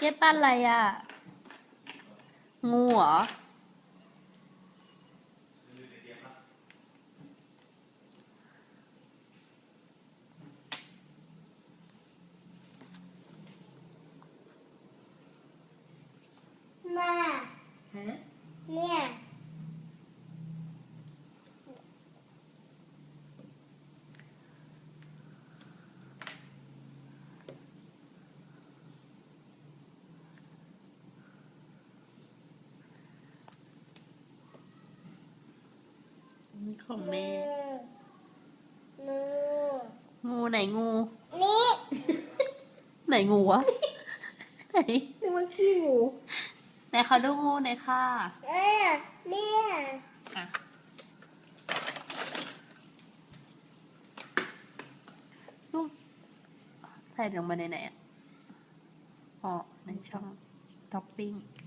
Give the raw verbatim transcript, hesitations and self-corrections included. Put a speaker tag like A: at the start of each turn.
A: จ๊ปั้นอะไรอ่ะ งูเหรอ
B: มา
A: ฮะ
B: เนี่ย
A: นี่ของแม่
B: งู
A: งูไหนงู
B: นี่
A: ไหนงูวะ ไหน
C: นี่มันขี้งู
A: ไหนเขาดูงูหน่อยค่ะ
B: เออเนี่ย
A: อ่ะลูกใส่ลงมาในไหนอ่ะอ๋อในช่องท็อปปิ้ง